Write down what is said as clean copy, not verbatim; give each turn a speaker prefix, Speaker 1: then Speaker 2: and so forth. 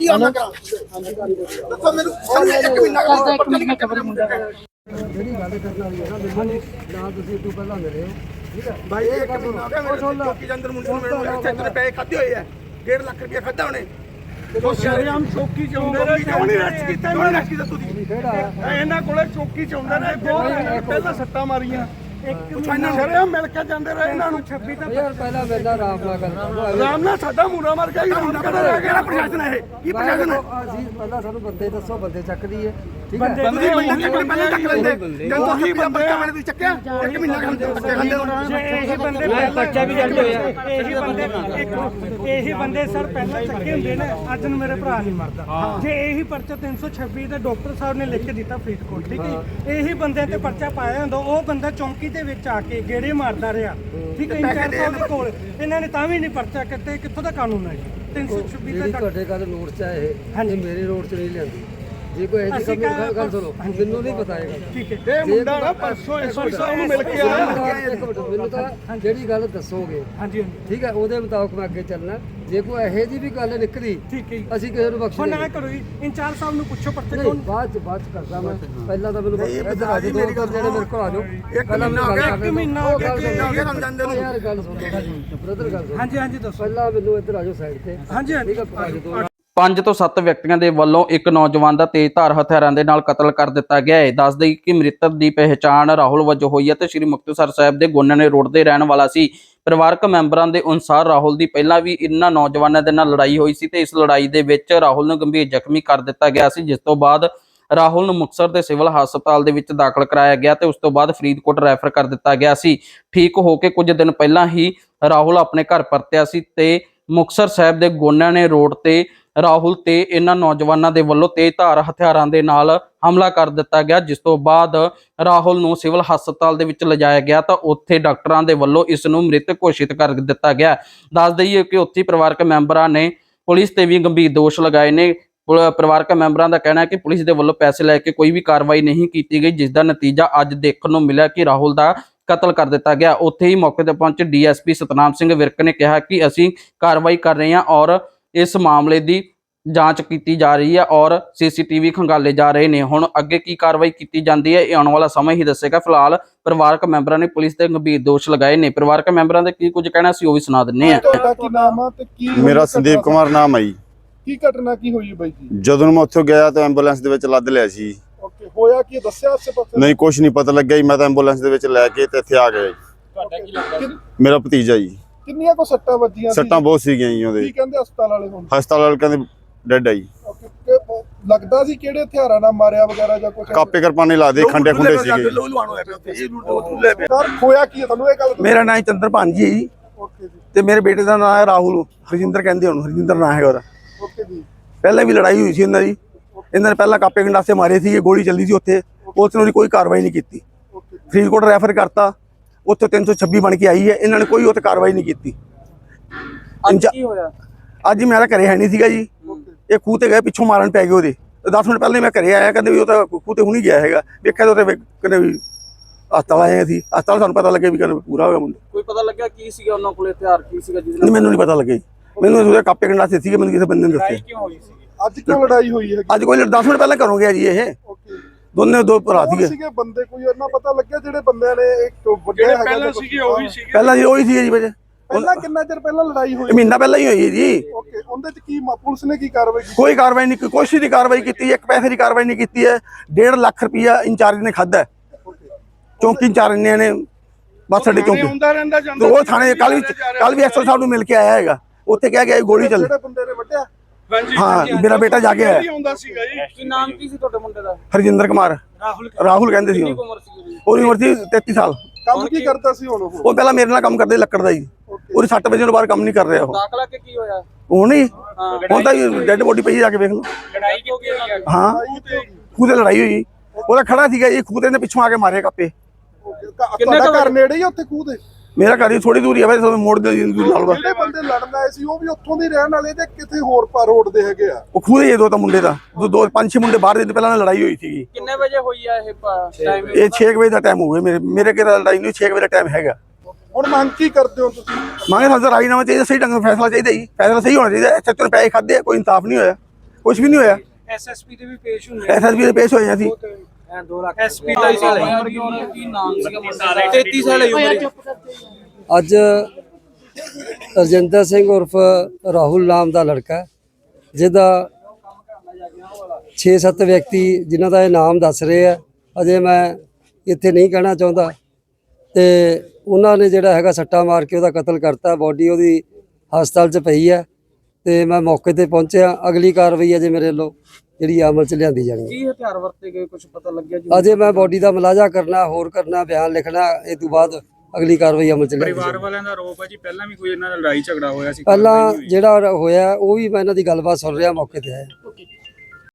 Speaker 1: ਆਣਾ ਕਰਾਂ ਦੱਸੋ ਮੈਨੂੰ ਇੱਕ ਮਹੀਨਾ
Speaker 2: ਜਿਹੜੀ ਗੱਲ ਕਰਨ ਵਾਲੀ ਹੈ ਨਾ ਮੈਨੂੰ ਨਾ ਤੁਸੀਂ ਇਦੋਂ ਪਹਿਲਾਂ ਮਿਲੇ ਹੋ ਠੀਕ ਹੈ
Speaker 1: ਭਾਈ ਇੱਕ ਮਹੀਨਾ ਹੋ ਗਿਆ ਮੇਰੇ ਚੌਕੀ ਦੇ ਅੰਦਰ ਮੁੰਡੇ ਨੂੰ ਮਿਲਣ ਚੈੱਕ ਦੇ ਪੈਸੇ ਖਾਦੇ ਹੋਏ ਆ 1.5 ਲੱਖ ਰੁਪਏ ਖਾਦਾ ਉਹਨੇ ਉਹ ਸ਼ਰਿਆਮ ਚੌਕੀ ਚ ਆਉਂਦੇ ਨੇ ਉਹਨੇ ਰੈਸਟ ਕੀਤਾ ਤੁਸੀਂ ਇਹਨਾਂ ਕੋਲੇ ਚੌਕੀ ਚ ਆਉਂਦੇ ਨੇ ਪਹਿਲਾਂ ਸੱਟਾਂ ਮਾਰੀਆਂ ਇਹਨਾਂ ਸ਼ਰਿਆਮ ਮਿਲ ਕੇ ਜਾਂਦੇ ਰਹੇ ਇਹਨਾਂ ਨੂੰ 26 ਤਾਂ
Speaker 2: ਯਾਰ ਪਹਿਲਾਂ ਮੇਰਾ ਆਰਾਮ ਨਾਲ ਕਰਨਾ
Speaker 1: ਆਰਾਮ ਨਾਲ ਸਾਡਾ ਮੂਰਾ ਮਰ ਗਿਆ ਕਿਹੜਾ ਪ੍ਰਸ਼ਾਸਨ ਹੈ ਇਹ ਕੀ ਪ੍ਰਸ਼ਾਸਨ ਹੈ
Speaker 2: ਅਸੀਂ ਪਹਿਲਾਂ ਸਾਨੂੰ ਬੰਦੇ ਦੱਸੋ ਬੰਦੇ ਚੱਕਦੀ ਹੈ ਠੀਕ ਹੈ
Speaker 1: ਬੰਦੇ ਪਹਿਲਾਂ ਚੱਕ ਲੈਂਦੇ ਜਦੋਂ ਤੁਸੀਂ ਬੰਦੇ ਵਾਲੇ ਦੀ ਚੱਕਿਆ ਇੱਕ ਮਹੀਨਾ ਖਾਂਦੇ
Speaker 3: ਇਹੀ ਬੰਦੇ ਬੱਚਾ ਵੀ ਜਾਂਦੇ ਹੋਇਆ ਇਹੀ ਬੰਦੇ ਸਰ ਪਹਿਲਾਂ ਚੱਕੇ ਹੁੰਦੇ ਨੇ ਅੱਜ ਨੂੰ ਮੇਰੇ ਭਰਾ ਨਹੀਂ ਮਰਦਾ ਜੇ ਇਹੀ ਪਰਚਾ 326 ਦੇ ਡਾਕਟਰ ਸਾਹਿਬ ਨੇ ਲਿਖ ਕੇ ਦਿੱਤਾ ਫਰੀਦਕੋਟ ਠੀਕ ਹੈ ਇਹੀ ਬੰਦਿਆਂ ਤੇ ਪਰਚਾ ਪਾਇਆ ਹੁੰਦਾ ਉਹ ਬੰਦਾ ਚੌਂਕੀ ਦੇ ਵਿੱਚ ਆ ਕੇ ਗੇੜੇ ਮਾਰਦਾ ਰਿਹਾ ਠੀਕ ਹੈ ਇੰਚਾਰਜ ਸਾਹਿਬ ਦੇ ਕੋਲ ਇਹਨਾਂ ਨੇ ਤਾਂ ਵੀ ਨਹੀਂ ਪਰਚਾ ਕਿਤੇ ਕਿੱਥੋਂ ਦਾ ਕਾਨੂੰਨ ਹੈ ਜੀ 326
Speaker 2: ਜਿਹੜੀ ਤੁਹਾਡੇ ਗੱਲ ਨੋਟ ਚ ਆਏ ਇਹ ਮੇਰੇ ਨੋਟ ਚ ਨਹੀਂ ਲਿਆਂਦੀ ਜੇ ਕੋਈ ਇਹਦੀ ਕਮੀ ਗੱਲ ਸੁਣੋ ਮੈਨੂੰ ਨਹੀਂ ਪਤਾ ਹੈਗਾ
Speaker 3: ਠੀਕ ਹੈ
Speaker 1: ਇਹ ਮੁੰਡਾ ਨਾ ਪਰਸੋਂ ਐਸਪੀ ਸਾਹਿਬ ਨੂੰ ਮਿਲ ਕੇ ਆਇਆ
Speaker 2: ਮੈਨੂੰ ਤਾਂ ਜਿਹੜੀ ਗੱਲ ਦੱਸੋਗੇ
Speaker 3: ਹਾਂਜੀ
Speaker 2: ਠੀਕ ਹੈ ਉਹਦੇ ਮੁਤਾਬਕ ਮੈਂ ਅੱਗੇ ਚੱਲਣਾ ਜੇ ਕੋਈ ਇਹੋ ਜਿਹੀ ਵੀ ਗੱਲ ਨਿਕਲੀ
Speaker 3: ਠੀਕ ਹੈ
Speaker 2: ਅਸੀਂ ਕਿਸੇ ਨੂੰ ਬਖਸ਼
Speaker 3: ਹੁਣ ਨਾ ਕਰੋ ਜੀ ਇੰਚਾਰਜ ਸਾਹਿਬ ਨੂੰ ਪੁੱਛੋ ਪਰਚੇ
Speaker 2: ਨਹੀਂ ਬਾਅਦ ਚ ਕਰਦਾ ਮੈਂ ਪਹਿਲਾਂ ਤਾਂ ਮੈਨੂੰ ਇੱਧਰ ਆ ਜਾਓ ਮੇਰੇ ਕੋਲ ਆ ਜਾਓ ਪਹਿਲਾਂ ਮੈਨੂੰ ਗੱਲ ਕਰ
Speaker 3: ਮਹੀਨਾ ਹੋ ਗਿਆ
Speaker 2: ਯਾਰ ਗੱਲ ਸੁਣੋ ਬ੍ਰਦਰ ਗੱਲ ਸੁਣੋ
Speaker 3: ਹਾਂਜੀ ਹਾਂਜੀ ਦੱਸੋ
Speaker 2: ਪਹਿਲਾਂ ਮੈਨੂੰ ਇੱਧਰ ਆ ਜਾਓ ਸਾਈਡ ਤੇ
Speaker 3: ਹਾਂਜੀ ਹਾਂਜੀ
Speaker 2: ਠੀਕ ਹੈ ਆ ਜਾਓ
Speaker 4: 5 ਤੋਂ 7 ਵਿਅਕਤੀਆਂ ਦੇ ਵੱਲੋਂ ਇੱਕ ਨੌਜਵਾਨ ਦਾ ਤੇਜ਼ਧਾਰ ਹਥਿਆਰਾਂ ਦੇ ਨਾਲ ਕਤਲ ਕਰ ਦਿੱਤਾ ਗਿਆ ਹੈ। ਦੱਸ ਦਈਏ ਕਿ ਮ੍ਰਿਤਕ ਦੀ ਪਹਿਚਾਣ ਰਾਹੁਲ ਵਜੋਂ ਹੋਈ ਹੈ ਤੇ ਸ੍ਰੀ ਮੁਕਤਸਰ ਸਾਹਿਬ ਦੇ ਗੋਨਣੇ ਰੋਡ ਦੇ ਰਹਿਣ ਵਾਲਾ ਸੀ। ਪਰਿਵਾਰਕ ਮੈਂਬਰਾਂ ਦੇ ਅਨੁਸਾਰ ਰਾਹੁਲ ਦੀ ਪਹਿਲਾਂ ਵੀ ਇਹਨਾਂ ਨੌਜਵਾਨਾਂ ਦੇ ਨਾਲ ਲੜਾਈ ਹੋਈ ਸੀ ਤੇ ਇਸ ਲੜਾਈ ਦੇ ਵਿੱਚ ਰਾਹੁਲ ਨੂੰ ਗੰਭੀਰ ਜ਼ਖਮੀ ਕਰ ਦਿੱਤਾ ਗਿਆ ਸੀ, ਜਿਸ ਤੋਂ ਬਾਅਦ ਰਾਹੁਲ ਨੂੰ ਮੁਕਤਸਰ ਦੇ ਸਿਵਲ ਹਸਪਤਾਲ ਦੇ ਵਿੱਚ ਦਾਖਲ ਕਰਾਇਆ ਗਿਆ ਤੇ ਉਸ ਤੋਂ ਬਾਅਦ ਫਰੀਦਕੋਟ ਰੈਫਰ ਕਰ ਦਿੱਤਾ ਗਿਆ ਸੀ। ਠੀਕ ਹੋ ਕੇ ਕੁਝ ਦਿਨ ਪਹਿਲਾਂ ਹੀ ਰਾਹੁਲ ਆਪਣੇ ਘਰ ਪਰਤਿਆ ਸੀ ਤੇ ਮੁਕਤਸਰ ਸਾਹਿਬ ਦੇ ਗੋਨਣੇ ਰੋਡ ਤੇ ਰਾਹੁਲ ਤੇ ਇਹਨਾਂ ਨੌਜਵਾਨਾਂ ਦੇ ਵੱਲੋਂ ਤੇਜ਼ਧਾਰ ਹਥਿਆਰਾਂ ਦੇ ਨਾਲ ਹਮਲਾ ਕਰ ਦਿੱਤਾ ਗਿਆ, ਜਿਸ ਤੋਂ ਬਾਅਦ ਰਾਹੁਲ ਨੂੰ ਸਿਵਲ ਹਸਪਤਾਲ ਦੇ ਵਿੱਚ ਲਿਜਾਇਆ ਗਿਆ ਤਾਂ ਉੱਥੇ ਡਾਕਟਰਾਂ ਦੇ ਵੱਲੋਂ ਇਸ ਨੂੰ ਮ੍ਰਿਤਕ ਘੋਸ਼ਿਤ ਕਰ ਦਿੱਤਾ ਗਿਆ। ਦੱਸ ਦਈਏ ਕਿ ਉੱਥੇ ਪਰਿਵਾਰਕ ਮੈਂਬਰਾਂ ਨੇ ਪੁਲਿਸ ਤੇ ਵੀ ਗੰਭੀਰ ਦੋਸ਼ ਲਗਾਏ ਨੇ। ਪਰਿਵਾਰਕ ਮੈਂਬਰਾਂ ਦਾ ਕਹਿਣਾ ਹੈ ਕਿ ਪੁਲਿਸ ਦੇ ਵੱਲੋਂ ਪੈਸੇ ਲੈ ਕੇ ਕੋਈ ਵੀ ਕਾਰਵਾਈ ਨਹੀਂ ਕੀਤੀ ਗਈ, ਜਿਸ ਦਾ ਨਤੀਜਾ ਅੱਜ ਦੇਖਣ ਨੂੰ ਮਿਲਿਆ ਕਿ ਰਾਹੁਲ ਦਾ ਕਤਲ ਕਰ ਦਿੱਤਾ ਗਿਆ। ਉੱਥੇ ਹੀ ਮੌਕੇ ਤੇ ਪਹੁੰਚੇ ਡੀਐਸਪੀ ਸਤਨਾਮ ਸਿੰਘ ਵਿਰਕ ਨੇ ਕਿਹਾ ਕਿ ਅਸੀਂ ਕਾਰਵਾਈ ਕਰ ਰਹੇ ਹਾਂ ਔਰ ਇਸ ਮਾਮਲੇ ਦੀ ਜਾਂਚ ਕੀਤੀ ਜਾ ਰਹੀ ਹੈ ਔਰ ਸੀਸੀਟੀਵੀ ਖੰਗਾਲੇ ਜਾ ਰਹੇ ਨੇ। ਹੁਣ ਅੱਗੇ ਕੀ ਕਾਰਵਾਈ ਕੀਤੀ ਜਾਂਦੀ ਹੈ ਇਹ ਆਉਣ ਵਾਲਾ ਸਮਾਂ ਹੀ ਦੱਸੇਗਾ। ਫਿਲਹਾਲ ਪਰਿਵਾਰਕ ਮੈਂਬਰਾਂ ਨੇ ਪੁਲਿਸ ਤੇ ਗੰਭੀਰ ਦੋਸ਼ ਲਗਾਏ ਨੇ। ਪਰਿਵਾਰਕ ਮੈਂਬਰਾਂ ਦੇ ਕੀ ਕੁਝ ਕਹਿਣਾ ਸੀ ਉਹ ਵੀ ਸੁਣਾ ਦਿੰਨੇ ਆ।
Speaker 5: ਤੁਹਾਡਾ ਕੀ ਨਾਮ ਆ ਤੇ ਕੀ
Speaker 6: ਮੇਰਾ ਸੰਦੀਪ ਕੁਮਾਰ ਨਾਮ ਹੈ ਜੀ।
Speaker 5: ਕੀ ਘਟਨਾ ਕੀ ਹੋਈ ਬਾਈ ਜੀ?
Speaker 6: ਜਦੋਂ ਮੈਂ ਉੱਥੋਂ ਗਿਆ ਤਾਂ ਐਂਬੂਲੈਂਸ ਦੇ ਵਿੱਚ ਲੱਦ ਲਿਆ ਸੀ।
Speaker 5: ਓਕੇ ਹੋਇਆ ਕੀ ਦੱਸਿਆ ਆਸੇ ਪਾਸੇ?
Speaker 6: ਨਹੀਂ ਕੁਝ ਨਹੀਂ ਪਤਾ ਲੱਗਿਆ ਜੀ। ਮੈਂ ਤਾਂ ਐਂਬੂਲੈਂਸ ਦੇ ਵਿੱਚ ਲੈ ਕੇ ਤੇ ਇੱਥੇ ਆ ਗਿਆ ਜੀ।
Speaker 5: ਤੁਹਾਡਾ ਕੀ ਲੱਗਦਾ?
Speaker 6: ਮੇਰਾ ਭਤੀਜਾ ਜੀ।
Speaker 5: ਕਿੰਨੀਆਂ ਕੋ ਸੱਟਾਂ ਵੱਜੀਆਂ ਸੀ?
Speaker 6: ਸੱਟਾਂ ਬਹੁਤ ਸੀਗੀਆਂ ਜੀ ਉਹਦੇ।
Speaker 5: ਕੀ ਕਹਿੰਦੇ ਹਸਪਤਾਲ ਵਾਲੇ ਹੁਣ?
Speaker 6: ਹਸਪਤਾਲ ਵਾਲੇ ਕਹਿੰਦੇ ਡੈਡ ਆ ਜੀ।
Speaker 5: ਲੱਗਦਾ ਸੀ ਕਿਹੜੇ ਹਥਿਆਰਾਂ ਨਾਲ ਮਾਰਿਆ ਵਗੈਰਾ ਜਾਂ ਕੁਝ?
Speaker 6: ਕਾਪੇ ਕਰਪਾਨੇ ਲਾ ਦੇ ਖੰਡੇ ਖੁੰਡੇ ਸੀਗੇ।
Speaker 5: ਸਰ ਹੋਇਆ ਕੀ ਹੈ ਤੁਹਾਨੂੰ ਇਹ ਗੱਲ?
Speaker 1: ਮੇਰਾ ਨਾਮ ਚੰਦਰਪਾਨ ਜੀ ਹੈ ਜੀ
Speaker 5: ਓਕੇ ਜੀ
Speaker 1: ਤੇ ਮੇਰੇ ਬੇਟੇ ਦਾ ਨਾਮ ਹੈ ਰਾਹੁਲ। ਹਰਜਿੰਦਰ ਕਹਿੰਦੇ ਉਹਨੂੰ, ਹਰਜਿੰਦਰ ਨਾਮ ਹੈਗਾ ਉਹਦਾ।
Speaker 5: ਓਕੇ ਜੀ
Speaker 1: ਪਹਿਲਾਂ ਵੀ ਲੜਾਈ ਹੋਈ ਸੀ ਇਹਨਾਂ ਦੀ। ਇਹਨਾਂ ਨੇ ਪਹਿਲਾਂ ਕਾਪੇ ਗੰਡਾਸੇ ਮਾਰੇ ਸੀ, ਗੋਲੀ ਚੱਲੀ ਸੀ ਉੱਥੇ। ਪੁਲਿਸ ਨੇ ਉਹਦੀ ਕੋਈ ਕਾਰਵਾਈ ਨਹੀਂ ਕੀਤੀ। ਫਰੀਦਕੋਟ ਰੈਫਰ ਕਰਤਾ, ਉੱਥੇ 326 ਬਣ ਕੇ ਆਈ ਹੈ। ਇਹਨਾਂ ਨੇ ਕੋਈ ਉੱਥੇ ਕਾਰਵਾਈ ਨਹੀਂ ਕੀਤੀ।
Speaker 3: ਕੀ ਹੋਇਆ
Speaker 1: ਅੱਜ ਮੇਰਾ ਘਰੇ ਹੈ ਨਹੀਂ ਸੀਗਾ ਜੀ। ਇਹ ਖੂਹ ਤੇ ਗਏ, ਪਿੱਛੋਂ ਮਾਰਨ ਪੈ ਗਏ ਉਹਦੇ। 10 ਮਿੰਟ ਪਹਿਲਾਂ ਮੈਂ ਘਰੇ ਆਇਆ, ਕਹਿੰਦੇ ਵੀ ਉਹ ਤਾਂ ਖੂਹ ਤੇ ਹੁਣੀ ਗਿਆ ਹੈਗਾ। ਵੇਖਿਆ ਤਾਂ ਉੱਥੇ ਕਹਿੰਦੇ ਵੀ ਹਸਪਤਾਲ ਆਏ ਸੀ। ਹਸਪਤਾਲ ਸਾਨੂੰ ਪਤਾ ਲੱਗਿਆ ਵੀ ਕਹਿੰਦੇ ਪੂਰਾ ਹੋ ਗਿਆ ਮੁੰਡਾ।
Speaker 4: ਕੋਈ ਪਤਾ ਲੱਗਿਆ ਕੀ ਸੀਗਾ ਉਹਨਾਂ ਕੋਲੇ ਹਥਿਆਰ ਕੀ ਸੀਗਾ ਜਿਹਦੇ
Speaker 1: ਨਹੀਂ ਮੈਨੂੰ ਨਹੀਂ ਪਤਾ ਲੱਗਿਆ ਜੀ। ਮੈਨੂੰ ਉਹਦੇ ਕਾਪੇ ਗੰਡਾਸੇ ਸੀਗੇ, ਮੈਨੂੰ ਕਿਸੇ ਬੰਦੇ ਨੇ ਦੱਸਿਆ।
Speaker 4: ਕਿਉਂ ਹੋਈ ਸੀ?
Speaker 5: ਅੱਜ ਕਿਉਂ ਲੜਾਈ ਹੋਈ ਹੈ?
Speaker 1: ਅੱਜ ਕੋਈ 10 ਮਿੰਟ ਪਹਿਲਾਂ ਘਰੋਂ ਗਿਆ ਜੀ ਇਹ।
Speaker 5: ਓਕੇ
Speaker 1: ਦੋ ਭਰਾ
Speaker 5: ਸੀਗੇ ਬੰਦੇ, ਕੋਈ ਇਹਨਾਂ ਪਤਾ ਲੱਗਿਆ ਜਿਹੜੇ ਬੰਦਿਆਂ ਨੇ ਇੱਕ ਵੱਡੇ ਹੈਗੇ ਪਹਿਲਾਂ ਸੀਗੇ ਉਹ ਵੀ ਸੀਗੇ?
Speaker 1: ਪਹਿਲਾਂ ਜੀ ਉਹੀ ਸੀ ਜੀ ਵਜੇ।
Speaker 5: ਪਹਿਲਾਂ ਕਿੰਨਾ ਚਿਰ ਪਹਿਲਾਂ ਲੜਾਈ ਹੋਈ?
Speaker 1: ਮਹੀਨਾ ਪਹਿਲਾਂ ਹੀ ਹੋਈ ਹੈ ਜੀ।
Speaker 5: ਓਕੇ ਉਹਦੇ ਚ ਕੀ ਪੁਲਿਸ ਨੇ ਕੀ ਕਾਰਵਾਈ ਕੀਤੀ?
Speaker 1: ਕੋਈ ਕਾਰਵਾਈ ਨਹੀਂ, ਕੁਛ ਦੀ ਕਾਰਵਾਈ ਕੀਤੀ, ਇੱਕ ਪੈਸੇ ਦੀ ਕਾਰਵਾਈ ਨਹੀਂ ਕੀਤੀ ਹੈ। 1.5 ਲੱਖ ਰੁਪਇਆ ਇੰਚਾਰਜ ਨੇ ਖਾਦਾ, ਚੌਂਕੀ ਇੰਚਾਰਜ ਨੇ ਬਸ ਸਾਡੇ ਚੌਂਕੀ ਉਹ ਥਾਣੇ ਕੱਲ ਵੀ ਐਸਓ ਸਾਹਿਬ ਨੂੰ ਮਿਲ ਕੇ ਆਇਆ ਹੈਗਾ। ਉੱਥੇ ਕਹਿ ਗਿਆ ਗੋਲੀ ਚੱਲ।
Speaker 5: ਜਿਹੜੇ ਬੰਦੇ ਨੇ ਵੱਢਿਆ?
Speaker 1: ਹਾਂ ਮੇਰਾ ਬੇਟਾ ਜਾ ਕੇ ਆਇਆ।
Speaker 4: ਕੀ ਨਾਮ ਕੀ ਸੀ ਤੁਹਾਡੇ ਮੁੰਡੇ ਦਾ?
Speaker 1: ਹਰਜਿੰਦਰ ਕੁਮਾਰ। ਰਾਹੁਲ ਕਹਿੰਦੇ ਸੀ। ਉਹਦੀ ਉਮਰ ਸੀ 33 ਸਾਲ।
Speaker 5: ਕੰਮ ਕੀ ਕਰਦਾ ਸੀ ਹੁਣ ਉਹ?
Speaker 1: ਉਹ ਪਹਿਲਾਂ ਮੇਰੇ ਨਾਲ ਕੰਮ ਕਰਦੇ ਲੱਕੜ ਦਾ ਜੀ। ਉਹਦੀ 6 ਵਜੇ ਤੋਂ ਬਾਅਦ ਕੰਮ ਨਹੀਂ ਕਰ ਰਿਹਾ ਉਹ।
Speaker 4: ਦਾਖਲਾ ਕੇ ਕੀ ਹੋਇਆ?
Speaker 1: ਹੁਣ ਹੀ ਹੁਣ ਤਾਂ ਡੈਡ ਬੋਡੀ ਪਈ ਜਾ ਕੇ ਵੇਖ ਲਓ।
Speaker 4: ਲੜਾਈ ਕਿਉਂ ਹੋਈ?
Speaker 1: ਹਾਂ ਖੂਹ ਤੇ ਲੜਾਈ ਹੋਈ। ਉਹਦਾ ਖੜਾ ਸੀਗਾ ਜੀ, ਖੂਹ ਦੇ ਪਿੱਛੋਂ ਆ ਕੇ ਮਾਰੇ ਕਾਪੇ।
Speaker 5: ਤੁਹਾਡਾ ਘਰ ਨੇੜੇ ਹੀ ਉੱਥੇ ਖੂਹ ਦੇ?
Speaker 1: ਮੇਰਾ ਘਰ ਹੀ ਥੋੜੀ ਦੂਰੀ ਆ ਵੈਸੇ ਮੋੜ ਦੇ ਨਾਲ ਵਾ।
Speaker 5: ਜਿਹੜੇ ਬੰਦੇ ਲੜਨ ਆਏ ਸੀ ਉਹ ਵੀ ਉੱਥੋਂ ਦੇ ਰਹਿਣ ਵਾਲੇ ਤੇ ਕਿਤੇ ਹੋਰ ਰੋਡ ਦੇ ਹੈਗੇ ਆ?
Speaker 1: ਉਹ ਖੂਹ ਦੇ ਦੋ ਤਾਂ ਮੁੰਡੇ ਦਾ ਦੋ 5-6 ਮੁੰਡੇ ਬਾਹਰ ਦੇ ਪਹਿਲਾਂ ਲੜਾਈ ਹੋਈ ਸੀਗੀ।
Speaker 4: ਕਿੰਨੇ ਵਜੇ ਹੋਈ ਆ ਇਹ ਟਾਈਮ?
Speaker 1: ਇਹ 6 ਵਜੇ ਦਾ ਟਾਈਮ ਹੋ ਗਿਆ। ਮੇਰੇ ਕਿਹੜਾ ਲੜਾਈ ਨਹੀਂ, 6 ਵਜੇ ਦਾ ਟਾਈਮ ਹੈਗਾ।
Speaker 5: ਹੁਣ ਮੰਗ ਕੀ ਕਰਦੇ ਹੋ ਤੁਸੀਂ?
Speaker 1: ਮੰਗੇ ਸਾਨੂੰ ਰਾਜੀਨਾਮਾ ਚਾਹੀਦਾ, ਸਹੀ ਢੰਗ ਨਾਲ ਫੈਸਲਾ ਚਾਹੀਦਾ ਜੀ। ਫੈਸਲਾ ਸਹੀ ਹੋਣਾ ਚਾਹੀਦਾ। ਸੱਚੇ ਪੈਸੇ ਖਾਦੇ, ਕੋਈ ਇਨਸਾਫ ਨਹੀਂ ਹੋਇਆ। ਕੁਝ ਵੀ ਨਹੀਂ ਹੋਇਆ।
Speaker 3: ਐਸਐਸਪੀ ਦੇ ਵੀ ਪੇਸ਼ ਹੁੰਦੇ
Speaker 1: ਐਸਐਸਪੀ ਦੇ ਪੇਸ਼ ਹੋਏ ਸੀ।
Speaker 3: 2 ਲੱਖ ਐਸਪੀ ਦਾ
Speaker 4: ਕੀ ਨਾਮ ਸੀਗਾ ਮੁੰਡੇ ਦਾ? 33 ਸਾਲ ਦੀ ਉਮਰ।
Speaker 2: ਅੱਜ ਰਜਿੰਦਰ ਸਿੰਘ ਉਰਫ ਰਾਹੁਲ ਨਾਮ ਦਾ ਲੜਕਾ ਜਿਹਦਾ 6-7 ਵਿਅਕਤੀ ਜਿਨ੍ਹਾਂ ਦਾ ਇਹ ਨਾਮ ਦੱਸ ਰਹੇ ਆ, ਅਜੇ ਮੈਂ ਇੱਥੇ ਨਹੀਂ ਕਹਿਣਾ ਚਾਹੁੰਦਾ, ਤੇ ਉਹਨਾਂ ਨੇ ਜਿਹੜਾ ਹੈਗਾ ਸੱਟਾ ਮਾਰ ਕੇ ਉਹਦਾ ਕਤਲ ਕਰਤਾ। ਬੋਡੀ ਉਹਦੀ ਹਸਪਤਾਲ 'ਚ ਪਈ ਹੈ ਤੇ ਮੈਂ ਮੌਕੇ ਤੇ ਪਹੁੰਚਿਆ। ਅਗਲੀ ਕਾਰਵਾਈ ਅਜੇ ਮੇਰੇ ਵੱਲੋਂ ਜਿਹੜੀ ਅਮਲ 'ਚ ਲਿਆਂਦੀ ਜਾਣੀ ਹੈ।
Speaker 4: ਕੀ ਹਥਿਆਰ ਵਰਤੇ ਗਏ ਕੁਝ ਪਤਾ ਲੱਗਿਆ ਜੀ?
Speaker 2: ਅਜੇ ਮੈਂ ਬੋਡੀ ਦਾ ਮੁਲਾਜ਼ਾ ਕਰਨਾ, ਹੋਰ ਕਰਨਾ, ਬਿਆਨ ਲਿਖਣਾ, ਇਹ ਤੋਂ ਬਾਅਦ ਅਗਲੀ ਕਾਰਵਾਈ ਅਮਲ 'ਚ ਲਿਆਂਦੀ ਜਾਣੀ।
Speaker 7: ਪਰਿਵਾਰ ਵਾਲਿਆਂ ਦਾ ਆਰੋਪ ਹੈ ਜੀ ਪਹਿਲਾਂ ਵੀ ਕੋਈ ਇਹਨਾਂ ਨਾਲ ਲੜਾਈ ਝਗੜਾ ਹੋਇਆ ਸੀ।
Speaker 2: ਪਹਿਲਾਂ ਜਿਹੜਾ ਹੋਇਆ ਉਹ ਵੀ ਮੈਂ ਇਹਨਾਂ ਦੀ ਗੱਲਬਾਤ ਸੁਣ ਰਿਹਾ, ਮੌਕੇ ਤੇ ਆਇਆ।